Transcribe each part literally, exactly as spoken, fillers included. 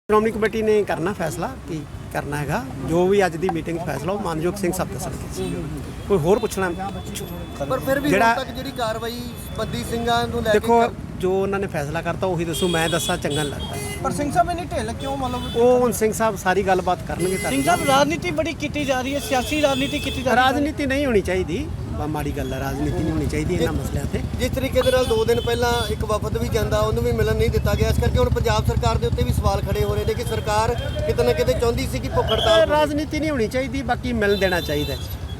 Shiromani committee ਨੇ ਕਰਨਾ ਫੈਸਲਾ ਕੀ ਕਰਨਾ ਹੈਗਾ। ਜੋ ਵੀ ਅੱਜ ਦੀ ਮੀਟਿੰਗ ਫੈਸਲਾ ਉਹ ਮਾਨਯੋਗ ਸਿੰਘ ਸਾਹਿਬ ਦੱਸਣਗੇ। ਕੋਈ ਹੋਰ ਪੁੱਛਣਾ ਪਰ ਫਿਰ ਵੀ ਹੁਣ ਤੱਕ ਜਿਹੜੀ ਕਾਰਵਾਈ ਬੰਦੀ ਸਿੰਘਾਂ ਨੂੰ ਲੈ ਕੇ ਦੇਖੋ ਜੋ ਉਹਨਾਂ ਨੇ ਫੈਸਲਾ ਕਰਤਾ ਉਹੀ ਦੱਸੋ, ਮੈਂ ਦੱਸਾਂ ਚੰਗਾ ਨਹੀਂ ਲੱਗਦਾ। ਪਰ ਸਿੰਘ ਸਾਹਿਬ ਇਹਨੀ ਢਿੱਲ ਕਿਉਂ ਮਤਲਬ ਉਹ ਹੁਣ ਸਿੰਘ ਸਾਹਿਬ ਸਾਰੀ ਗੱਲਬਾਤ ਕਰਨਗੇ। ਸਿੰਘ ਸਾਹਿਬ ਰਾਜਨੀਤੀ ਬੜੀ ਕੀਤੀ ਜਾ ਰਹੀ ਹੈ, ਸਿਆਸੀ ਰਾਜਨੀਤੀ ਕੀਤੀ ਜਾ ਰਹੀ ਹੈ। ਰਾਜਨੀਤੀ ਨਹੀਂ ਹੋਣੀ ਚਾਹੀਦੀ, ਬਾ ਮਾੜੀ ਗੱਲ ਹੈ। ਰਾਜਨੀਤੀ ਨਹੀਂ ਹੋਣੀ ਚਾਹੀਦੀ ਇਹਨਾਂ ਮਸਲਿਆਂ ਤੇ। ਜਿਸ ਤਰੀਕੇ ਦੇ ਨਾਲ ਦੋ ਦਿਨ ਪਹਿਲਾਂ ਇੱਕ ਵਫਦ ਵੀ ਜਾਂਦਾ ਉਹਨੂੰ ਵੀ ਮਿਲਣ ਨਹੀਂ ਦਿੱਤਾ ਗਿਆ, ਇਸ ਕਰਕੇ ਹੁਣ ਪੰਜਾਬ ਸਰਕਾਰ ਦੇ ਉੱਤੇ ਵੀ ਸਵਾਲ ਖੜੇ ਹੋ ਰਹੇ ਨੇ ਕਿ ਸਰਕਾਰ ਕਿਤੇ ਨਾ ਕਿਤੇ ਚਾਹੁੰਦੀ ਸੀ ਕਿ ਭੁੱਖ ਹੜਤਾਲ ਹੋਵੇ। ਰਾਜਨੀਤੀ ਨਹੀਂ ਹੋਣੀ ਚਾਹੀਦੀ, ਬਾਕੀ ਮਿਲ ਦੇਣਾ ਚਾਹੀਦਾ।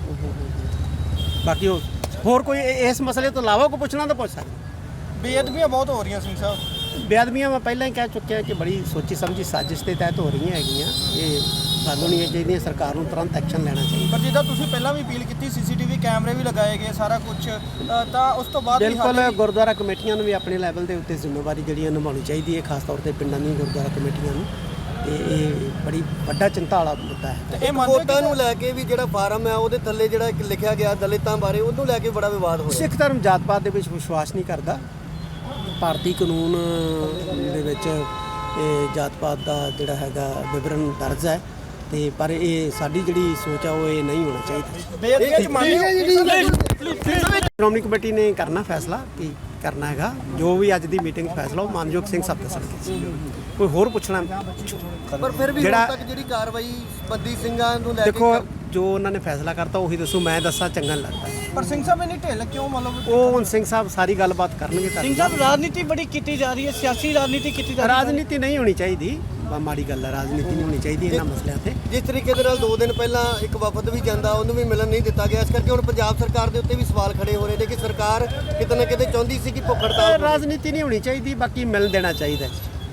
ਬਾਕੀ ਉਹ ਹੋਰ ਕੋਈ ਇਸ ਮਸਲੇ ਤੋਂ ਇਲਾਵਾ ਕੋਈ ਪੁੱਛਣਾ ਤਾਂ ਪੁੱਛ ਸਕਦਾ। ਬੇਅਦਬੀਆਂ ਬਹੁਤ ਹੋ ਰਹੀਆਂ ਸਿੰਘ ਸਾਹਿਬ। ਬੇਅਦਬੀਆਂ ਮੈਂ ਪਹਿਲਾਂ ਹੀ ਕਹਿ ਚੁੱਕਿਆ ਕਿ ਬੜੀ ਸੋਚੀ ਸਮਝੀ ਸਾਜ਼ਿਸ਼ ਦੇ ਤਹਿਤ ਹੋ ਰਹੀਆਂ ਹੈਗੀਆਂ। ਇਹ ਸਾਨੂੰ ਨਹੀਂ ਚਾਹੀਦੀਆਂ, ਸਰਕਾਰ ਨੂੰ ਤੁਰੰਤ ਐਕਸ਼ਨ ਲੈਣਾ ਚਾਹੀਦਾ। ਪਰ ਜਿੱਦਾਂ ਤੁਸੀਂ ਪਹਿਲਾਂ ਵੀ ਅਪੀਲ ਕੀਤੀ, ਸੀਸੀਟੀਵੀ ਕੈਮਰੇ ਵੀ ਲਗਾਏ ਗਏ, ਸਾਰਾ ਕੁਝ, ਤਾਂ ਉਸ ਤੋਂ ਬਾਅਦ ਬਿਲਕੁਲ ਗੁਰਦੁਆਰਾ ਕਮੇਟੀਆਂ ਨੂੰ ਵੀ ਆਪਣੇ ਲੈਵਲ ਦੇ ਉੱਤੇ ਜ਼ਿੰਮੇਵਾਰੀ ਜਿਹੜੀ ਹੈ ਨਿਭਾਉਣੀ ਚਾਹੀਦੀ ਹੈ, ਖਾਸ ਤੌਰ ਤੇ ਪਿੰਡਾਂ ਦੀਆਂ ਗੁਰਦੁਆਰਾ ਕਮੇਟੀਆਂ ਨੂੰ। ਤੇ ਇਹ ਬੜੀ ਵੱਡਾ ਚਿੰਤਾ ਵਾਲਾ ਮੁੱਦਾ ਹੈ। ਇਹ ਵੋਟਾਂ ਨੂੰ ਲੈ ਕੇ ਵੀ ਜਿਹੜਾ ਫਾਰਮ ਹੈ ਉਹਦੇ ਥੱਲੇ ਜਿਹੜਾ ਇੱਕ ਲਿਖਿਆ ਗਿਆ ਦਲਿਤਾਂ ਬਾਰੇ, ਉਹਨੂੰ ਲੈ ਕੇ ਬੜਾ ਵਿਵਾਦ ਹੋਇਆ। ਸਿੱਖ ਧਰਮ ਜਾਤ ਪਾਤ ਦੇ ਵਿੱਚ ਵਿਸ਼ਵਾਸ ਨਹੀਂ ਕਰਦਾ। ਭਾਰਤੀ ਕਾਨੂੰਨ ਦੇ ਵਿੱਚ ਇਹ ਜਾਤ ਪਾਤ ਦਾ ਜਿਹੜਾ ਹੈਗਾ ਵਿਵਰਣ ਦਰਜ ਹੈ, ਤੇ ਪਰ ਇਹ ਸਾਡੀ ਜਿਹੜੀ ਸੋਚ ਆ ਉਹ ਇਹ ਨਹੀਂ ਹੋਣਾ ਚਾਹੀਦਾ। ਬੇਅਦਬੀਆਂ ਚ ਮੰਨ ਸ਼੍ਰੋਮਣੀ ਕਮੇਟੀ ਨੇ ਕਰਨਾ ਫੈਸਲਾ ਕੀ ਕਰਨਾ ਹੈਗਾ। ਜੋ ਵੀ ਅੱਜ ਦੀ ਮੀਟਿੰਗ ਫੈਸਲਾ ਉਹ ਮਾਨਯੋਗ ਸਿੰਘ ਸਾਹਿਬ ਦੱਸਣਗੇ। ਕੋਈ ਹੋਰ ਪੁੱਛਣਾ ਪਰ ਫਿਰ ਵੀ ਹੁਣ ਤੱਕ ਜਿਹੜੀ ਕਾਰਵਾਈ ਬੰਦੀ ਸਿੰਘਾਂ ਨੂੰ ਲੈ ਕੇ ਦੇਖੋ ਜੋ ਉਹਨਾਂ ਨੇ ਫੈਸਲਾ ਕਰਤਾ ਉਹੀ ਦੱਸੋ, ਮੈਂ ਦੱਸਾਂ ਚੰਗਾ ਨਹੀਂ ਲੱਗਦਾ। ਪਰ ਸਿੰਘ ਸਾਹਿਬ ਇਹਨੀ ਢਿੱਲ ਕਿਉਂ ਮਤਲਬ ਉਹ ਹੁਣ ਸਿੰਘ ਸਾਹਿਬ ਸਾਰੀ ਗੱਲਬਾਤ ਕਰਨਗੇ। ਸਿੰਘ ਸਾਹਿਬ ਰਾਜਨੀਤੀ ਬੜੀ ਕੀਤੀ ਜਾ ਰਹੀ ਹੈ, ਸਿਆਸੀ ਰਾਜਨੀਤੀ ਕੀਤੀ ਜਾ ਰਹੀ ਹੈ। ਰਾਜਨੀਤੀ ਨਹੀਂ ਹੋਣੀ ਚਾਹੀਦੀ, ਬਾ ਮਾੜੀ ਗੱਲ ਹੈ। ਰਾਜਨੀਤੀ ਨਹੀਂ ਹੋਣੀ ਚਾਹੀਦੀ ਇਹਨਾਂ ਮਸਲਿਆਂ ਤੇ। ਜਿਸ ਤਰੀਕੇ ਦੇ ਨਾਲ ਦੋ ਦਿਨ ਪਹਿਲਾਂ ਇੱਕ ਵਫਦ ਵੀ ਜਾਂਦਾ ਉਹਨੂੰ ਵੀ ਮਿਲਣ ਨਹੀਂ ਦਿੱਤਾ ਗਿਆ, ਇਸ ਕਰਕੇ ਹੁਣ ਪੰਜਾਬ ਸਰਕਾਰ ਦੇ ਉੱਤੇ ਵੀ ਸਵਾਲ ਖੜੇ ਹੋ ਰਹੇ ਨੇ ਕਿ ਸਰਕਾਰ ਕਿਤੇ ਨਾ ਕਿਤੇ ਚਾਹੁੰਦੀ ਸੀ ਕਿ ਭੁੱਖ ਹੜਤਾਲ ਹੋਵੇ। ਰਾਜਨੀਤੀ ਨਹੀਂ ਹੋਣੀ ਚਾਹੀਦੀ, ਬਾਕੀ ਮਿਲ ਦੇਣਾ ਚਾਹੀਦਾ।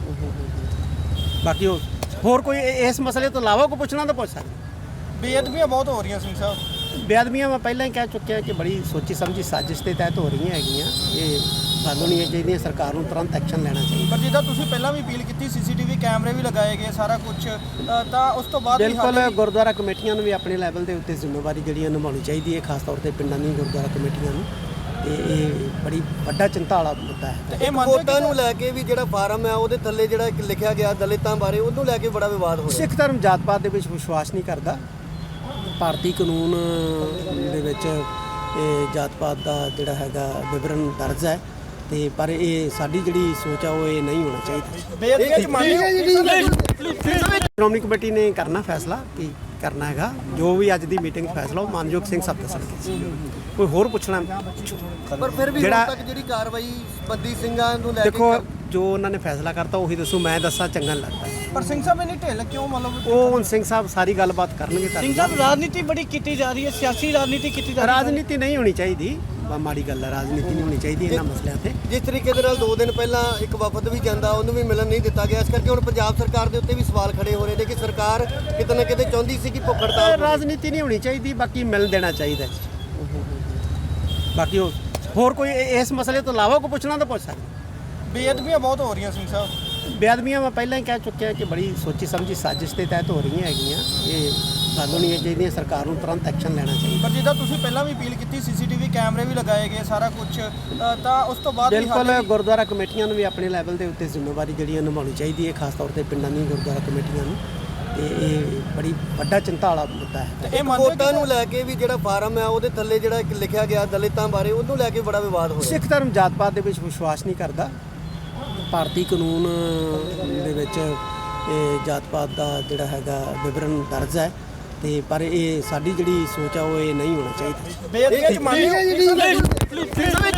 ਬਾਕੀ ਉਹ ਹੋਰ ਕੋਈ ਇਸ ਮਸਲੇ ਤੋਂ ਇਲਾਵਾ ਕੋਈ ਪੁੱਛਣਾ ਤਾਂ ਪੁੱਛ ਸਕਦਾ। ਬੇਅਦਬੀਆਂ ਬਹੁਤ ਹੋ ਰਹੀਆਂ ਸਿੰਘ ਸਾਹਿਬ। ਬੇਅਦਬੀਆਂ ਮੈਂ ਪਹਿਲਾਂ ਹੀ ਕਹਿ ਚੁੱਕਿਆ ਕਿ ਬੜੀ ਸੋਚੀ ਸਮਝੀ ਸਾਜ਼ਿਸ਼ ਦੇ ਤਹਿਤ ਹੋ ਰਹੀਆਂ ਹੈਗੀਆਂ। ਇਹ ਸਾਨੂੰ ਨਹੀਂ ਚਾਹੀਦੀਆਂ, ਸਰਕਾਰ ਨੂੰ ਤੁਰੰਤ ਐਕਸ਼ਨ ਲੈਣਾ ਚਾਹੀਦਾ। ਪਰ ਜਿੱਦਾਂ ਤੁਸੀਂ ਪਹਿਲਾਂ ਵੀ ਅਪੀਲ ਕੀਤੀ, ਸੀਸੀਟੀਵੀ ਕੈਮਰੇ ਵੀ ਲਗਾਏ ਗਏ, ਸਾਰਾ ਕੁਝ, ਤਾਂ ਉਸ ਤੋਂ ਬਾਅਦ ਬਿਲਕੁਲ ਗੁਰਦੁਆਰਾ ਕਮੇਟੀਆਂ ਨੂੰ ਵੀ ਆਪਣੇ ਲੈਵਲ ਦੇ ਉੱਤੇ ਜ਼ਿੰਮੇਵਾਰੀ ਜਿਹੜੀ ਹੈ ਨਿਭਾਉਣੀ ਚਾਹੀਦੀ ਹੈ, ਖਾਸ ਤੌਰ ਤੇ ਪਿੰਡਾਂ ਦੀਆਂ ਗੁਰਦੁਆਰਾ ਕਮੇਟੀਆਂ ਨੂੰ। ਤੇ ਇਹ ਬੜੀ ਵੱਡਾ ਚਿੰਤਾ ਵਾਲਾ ਮੁੱਦਾ ਹੈ। ਇਹ ਵੋਟਾਂ ਨੂੰ ਲੈ ਕੇ ਵੀ ਜਿਹੜਾ ਫਾਰਮ ਹੈ ਉਹਦੇ ਥੱਲੇ ਜਿਹੜਾ ਇੱਕ ਲਿਖਿਆ ਗਿਆ ਦਲਿਤਾਂ ਬਾਰੇ, ਉਹਨੂੰ ਲੈ ਕੇ ਬੜਾ ਵਿਵਾਦ ਹੋਇਆ। ਸਿੱਖ ਧਰਮ ਜਾਤ ਪਾਤ ਦੇ ਵਿੱਚ ਵਿਸ਼ਵਾਸ ਨਹੀਂ ਕਰਦਾ। ਭਾਰਤੀ ਕਾਨੂੰਨ ਦੇ ਵਿੱਚ ਇਹ ਜਾਤ ਪਾਤ ਦਾ ਜਿਹੜਾ ਹੈਗਾ ਵਿਵਰਣ ਦਰਜ ਹੈ, ਤੇ ਪਰ ਇਹ ਸਾਡੀ ਜਿਹੜੀ ਸੋਚ ਆ ਉਹ ਇਹ ਨਹੀਂ ਹੋਣਾ ਚਾਹੀਦਾ। ਬੇਅਦਬੀਆਂ ਚ ਮੰਨ ਸ਼੍ਰੋਮਣੀ ਕਮੇਟੀ ਨੇ ਕਰਨਾ ਫੈਸਲਾ ਕੀ ਕਰਨਾ ਹੈਗਾ। ਜੋ ਵੀ ਅੱਜ ਦੀ ਮੀਟਿੰਗ ਫੈਸਲਾ ਉਹ ਮਾਨਯੋਗ ਸਿੰਘ ਸਾਹਿਬ ਦੱਸਣਗੇ। ਕੋਈ ਹੋਰ ਪੁੱਛਣਾ ਪਰ ਫਿਰ ਵੀ ਹੁਣ ਤੱਕ ਜਿਹੜੀ ਕਾਰਵਾਈ ਬੰਦੀ ਸਿੰਘਾਂ ਨੂੰ ਲੈ ਕੇ ਦੇਖੋ ਜੋ ਉਹਨਾਂ ਨੇ ਫੈਸਲਾ ਕਰਤਾ ਉਹੀ ਦੱਸੋ, ਮੈਂ ਦੱਸਾਂ ਚੰਗਾ ਨਹੀਂ ਲੱਗਦਾ। ਪਰ ਸਿੰਘ ਸਾਹਿਬ ਇਹਨੀ ਢਿੱਲ ਕਿਉਂ ਮਤਲਬ ਉਹ ਹੁਣ ਸਿੰਘ ਸਾਹਿਬ ਸਾਰੀ ਗੱਲਬਾਤ ਕਰਨਗੇ। ਸਿੰਘ ਸਾਹਿਬ ਰਾਜਨੀਤੀ ਬੜੀ ਕੀਤੀ ਜਾ ਰਹੀ ਹੈ, ਸਿਆਸੀ ਰਾਜਨੀਤੀ ਕੀਤੀ ਜਾ ਰਹੀ ਹੈ। ਰਾਜਨੀਤੀ ਨਹੀਂ ਹੋਣੀ ਚਾਹੀਦੀ, ਬਾ ਮਾੜੀ ਗੱਲ ਹੈ। ਰਾਜਨੀਤੀ ਨਹੀਂ ਹੋਣੀ ਚਾਹੀਦੀ ਇਹਨਾਂ ਮਸਲਿਆਂ ਤੇ। ਜਿਸ ਤਰੀਕੇ ਦੇ ਨਾਲ ਦੋ ਦਿਨ ਪਹਿਲਾਂ ਇੱਕ ਵਫਦ ਵੀ ਜਾਂਦਾ ਉਹਨੂੰ ਵੀ ਮਿਲਣ ਨਹੀਂ ਦਿੱਤਾ ਗਿਆ, ਇਸ ਕਰਕੇ ਹੁਣ ਪੰਜਾਬ ਸਰਕਾਰ ਦੇ ਉੱਤੇ ਵੀ ਸਵਾਲ ਖੜੇ ਹੋ ਰਹੇ ਨੇ ਕਿ ਸਰਕਾਰ ਕਿਤੇ ਨਾ ਕਿਤੇ ਚਾਹੁੰਦੀ ਸੀ ਕਿ ਭੁੱਖ ਹੜਤਾਲ ਹੋਵੇ। ਰਾਜਨੀਤੀ ਨਹੀਂ ਹੋਣੀ ਚਾਹੀਦੀ, ਬਾਕੀ ਮਿਲ ਦੇਣਾ ਚਾਹੀਦਾ। ਬਾਕੀ ਉਹ ਹੋਰ ਕੋਈ ਇਸ ਮਸਲੇ ਤੋਂ ਇਲਾਵਾ ਕੋਈ ਪੁੱਛਣਾ ਤਾਂ ਪੁੱਛ ਸਕਦਾ। ਬੇਅਦਬੀਆਂ ਬਹੁਤ ਹੋ ਰਹੀਆਂ ਸਿੰਘ ਸਾਹਿਬ। ਬੇਅਦਬੀਆਂ ਮੈਂ ਪਹਿਲਾਂ ਹੀ ਕਹਿ ਚੁੱਕਿਆ ਕਿ ਬੜੀ ਸੋਚੀ ਸਮਝੀ ਸਾਜ਼ਿਸ਼ ਦੇ ਤਹਿਤ ਹੋ ਰਹੀਆਂ ਹੈਗੀਆਂ। ਇਹ ਸਾਨੂੰ ਨਹੀਂ ਚਾਹੀਦੀਆਂ, ਸਰਕਾਰ ਨੂੰ ਤੁਰੰਤ ਐਕਸ਼ਨ ਲੈਣਾ ਚਾਹੀਦਾ। ਪਰ ਜਿੱਦਾਂ ਤੁਸੀਂ ਪਹਿਲਾਂ ਵੀ ਅਪੀਲ ਕੀਤੀ, ਸੀਸੀਟੀਵੀ ਕੈਮਰੇ ਵੀ ਲਗਾਏ ਗਏ, ਸਾਰਾ ਕੁਝ, ਤਾਂ ਉਸ ਤੋਂ ਬਾਅਦ ਬਿਲਕੁਲ ਗੁਰਦੁਆਰਾ ਕਮੇਟੀਆਂ ਨੂੰ ਵੀ ਆਪਣੇ ਲੈਵਲ ਦੇ ਉੱਤੇ ਜ਼ਿੰਮੇਵਾਰੀ ਜਿਹੜੀ ਹੈ ਨਿਭਾਉਣੀ ਚਾਹੀਦੀ ਹੈ, ਖਾਸ ਤੌਰ ਤੇ ਪਿੰਡਾਂ ਦੀਆਂ ਗੁਰਦੁਆਰਾ ਕਮੇਟੀਆਂ ਨੂੰ। ਤੇ ਇਹ ਬੜੀ ਵੱਡਾ ਚਿੰਤਾ ਵਾਲਾ ਮੁੱਦਾ ਹੈ। ਇਹ ਵੋਟਾਂ ਨੂੰ ਲੈ ਕੇ ਵੀ ਜਿਹੜਾ ਫਾਰਮ ਹੈ ਉਹਦੇ ਥੱਲੇ ਜਿਹੜਾ ਇੱਕ ਲਿਖਿਆ ਗਿਆ ਦਲਿਤਾਂ ਬਾਰੇ, ਉਹਨੂੰ ਲੈ ਕੇ ਬੜਾ ਵਿਵਾਦ ਹੋਇਆ। ਸਿੱਖ ਧਰਮ ਜਾਤ ਪਾਤ ਦੇ ਵਿੱਚ ਵਿਸ਼ਵਾਸ ਨਹੀਂ ਕਰਦਾ। ਭਾਰਤੀ ਕਾਨੂੰਨ ਦੇ ਵਿੱਚ ਇਹ ਜਾਤ ਪਾਤ ਦਾ ਜਿਹੜਾ ਹੈਗਾ ਵਿਵਰਣ ਦਰਜ ਹੈ, ਤੇ ਪਰ ਇਹ ਸਾਡੀ ਜਿਹੜੀ ਸੋਚ ਆ ਉਹ ਇਹ ਨਹੀਂ ਹੋਣਾ ਚਾਹੀਦਾ। ਬੇਅਦਬੀਆਂ ਚ ਮੰਨ